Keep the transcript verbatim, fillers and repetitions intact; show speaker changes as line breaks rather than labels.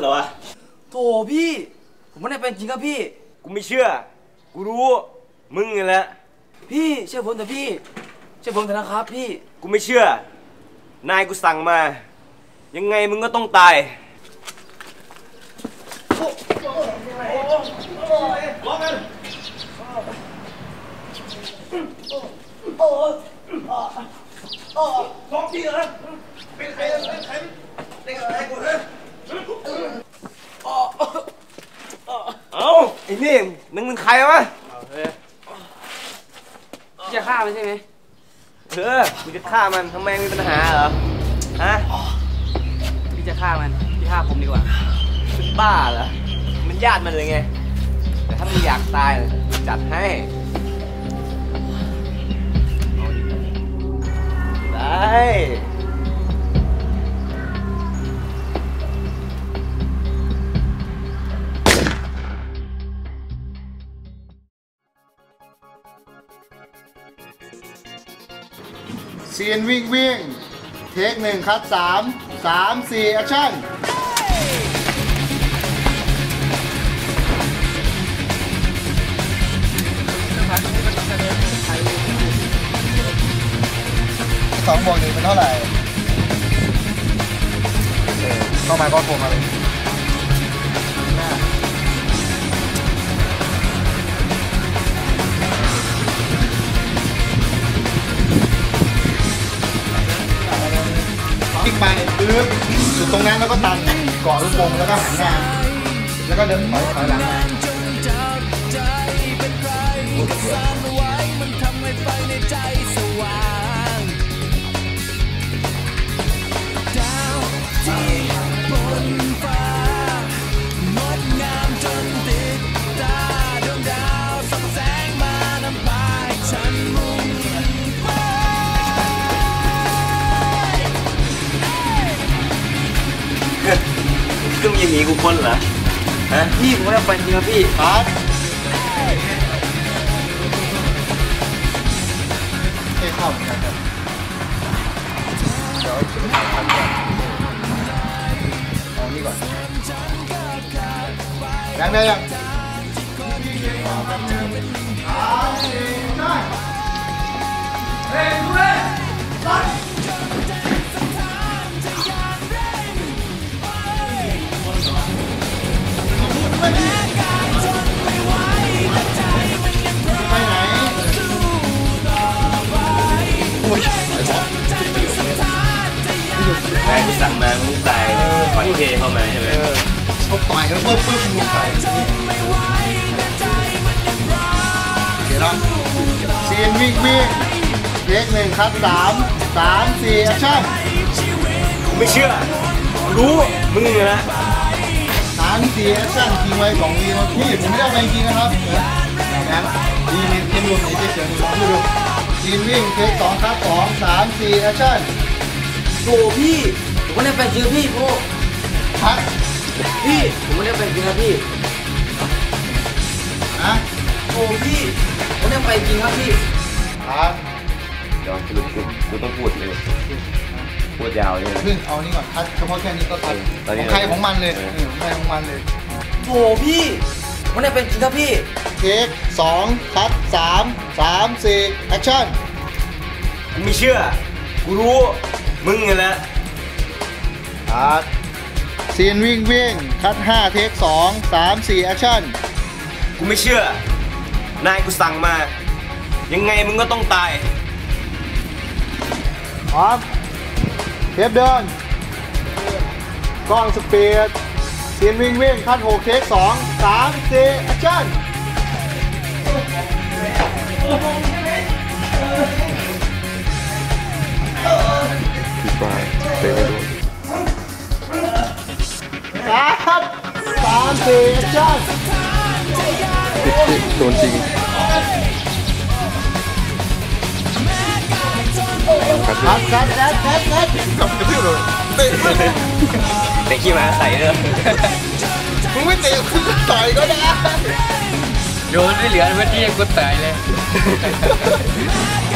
เหรอวะ
โถพี่ผมไม่ได้เป็นจริงครับพี่
กูไม่เชื่อกูรู้มึงนี่แหละ
พี่เชื่อผมเถอะพี่เชื่อผมเถอะนะครับพี่
กูไม่เชื่อนายกูสั่งมายังไงมึงก็ต้องตายล็อกกันล็อกพี่เหรอเป็นใครเป็นใครเป็นใครกูเหรอเอ้าไอ้นี่มึงเป็นใครวะ
จะฆ่ามันใช่ไหม
เออมึงจะฆ่ามันทำไมมีปัญหาเหรอฮะ
พี่จะฆ่ามันพี่ฆ่าผมดีกว่า
เป็นบ้าเหรอมันญาติมันเลยไงแต่ถ้ามึงอยากตายจัดให้ได้
ซีนวิ่งวิ่งเทคหนึ่งคัดสามสามสี่แอคชั่นสองบวกหนึ่งเป็นเท่าไหร่เข้ามาก็โทรมาเลยคลิกไปปึ๊บจุดตรงนั้นแล้วก็ตัดเกาะลูกโป่งแล้วก็หันหน้าแล้วก็เดินถอยถอยหลังมา
ซึ่งยังมีกูคนเหรอฮะ
พี่ผมไม่ได้เป็นจริงครับพี่
ครับเอ้เข้าเหมือนกันครับเดี๋ยวเอานี่ก่อนยังไงยังเฮ้ยดูเลยตัดไปไหนโอ้ย
ใครที่สั่งมามึงตายขอที่เทเข้ามาใช่ไหม
เขาต่อยกันเพิ่มเพิ่มมึงใส่เดี๋ยวนะซีนวิ่งวิ่งเทคหนึ่งคัดสามสามสี่แอคชั่น
ไม่เชื่อรู้มึงเลยนะ
สามสี่แอคชั่นทีไว้สองทีนะพี่ผมไม่ได้ไปจริงนะครับอย่างนั้นดีมีเกมรวมในเฉยๆลองดูซีนวิ่งเทคสองคัดสองสามสี่แอคชั่น
โอ้พี่ผมไม่ได้เป็นจริงพี่โอ้
พัก
พี่ผมไม่ได้เป็นจริงครับพี่
นะ
โอ้พี่ผมไม่ได้เป็นจริงครับพี่
พัก
เดี๋ยวคือกูต้องพูดเลยพูดยาวเลย
เพิ่งเอานี่ก่อนคัดเฉพาะแค่นี้ก็ทัดของใครของมันเลยของใครของมันเลย
โอ้พี่ผมไม่ได้เป็นจริงครับพี่
เทคสองคัดสามสามสี่แอคชั่น
กูไม่เชื่อกูรู้มึงนี่แหละ
คัดซีนวิ่งวิ่งคัดห้าเทคสองสามสี่แอคชั่น
กูไม่เชื่อนายกูสั่งมายังไงมึงก็ต้องตาย
พร้อมเทปเดินกล้องสปีดซีนวิ่งวิ่งคัดหกเทคสองสามสี่แอคชั่น
พี่ปลายเตะไม่โดน
คัดสามสี่แอคชั่น
โดนจริง
คัดคัดคัดคัดคัดคัด
กลับกระทืบเลยเตะ
เตะขี้มาใส่เลย
มึงไม่เตะคือต่อยก็ได้
โดนไม่เหลือเมื่อกี้กูตายเลย